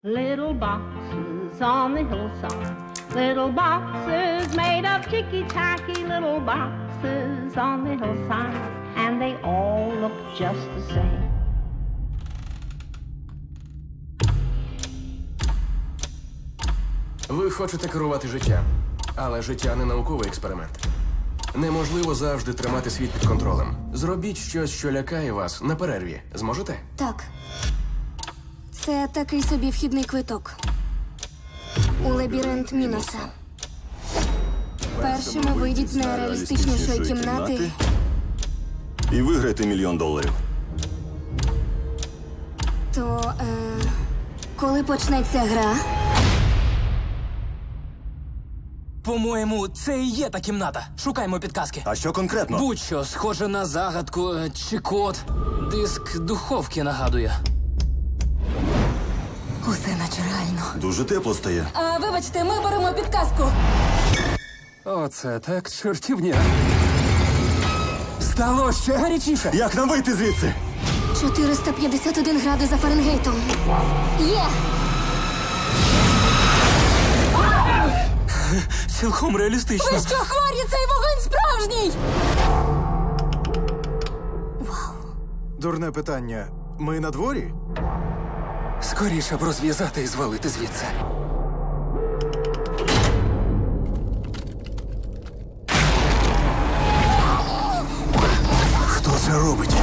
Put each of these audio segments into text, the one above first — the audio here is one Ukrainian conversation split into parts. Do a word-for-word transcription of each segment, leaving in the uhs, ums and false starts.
Little boxes on the hillside, little boxes made of ticky-tacky, little boxes on the hillside, and they all look just the same. Ви хочете керувати життям, але життя не науковий експеримент. Неможливо завжди тримати світ під контролем. Зробіть щось, що лякає вас на перерві. Зможете? Так. Це такий собі вхідний квиток. У лабіринт Міноса. Першими вийдіть з нереалістичнішої кімнати. І виграйте мільйон доларів. То, е, коли почнеться гра? По-моєму, це і є та кімната. Шукаймо підказки. А що конкретно? Будь-що, схоже на загадку е, чи код. Диск духовки нагадує. Усе наче реально. Дуже тепло стає. А, вибачте, ми беремо підказку. Оце так чортівня. Стало ще гарячіше. Як нам вийти звідси? чотириста п'ятдесят один градус за Фаренгейтом. Є! Цілком реалістично. Ви що, хворі? Цей вогонь справжній! Дурне питання. Ми на дворі? Скоріше б розв'язати і звалити звідси. Хто це робить?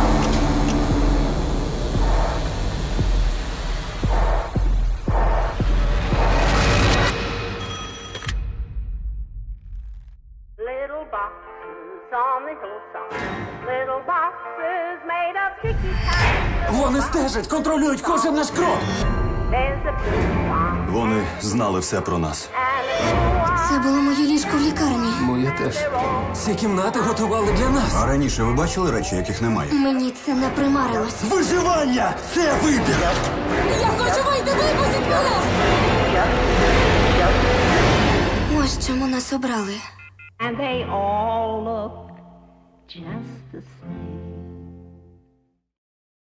Little boxes on the hillside, little boxes made of ticky-tacky. Вони стежать, контролюють кожен наш крок. There's a blue one Вони знали все про нас. and a blue one. Це було моє ліжко в лікарні. Моє теж. Ці кімнати готували для нас. А раніше ви бачили речі, яких немає? Мені це не примарилось. Виживання! Це вибір! Я хочу вийти, випустіть мене! Ось чому нас обрали. And they all look just the same.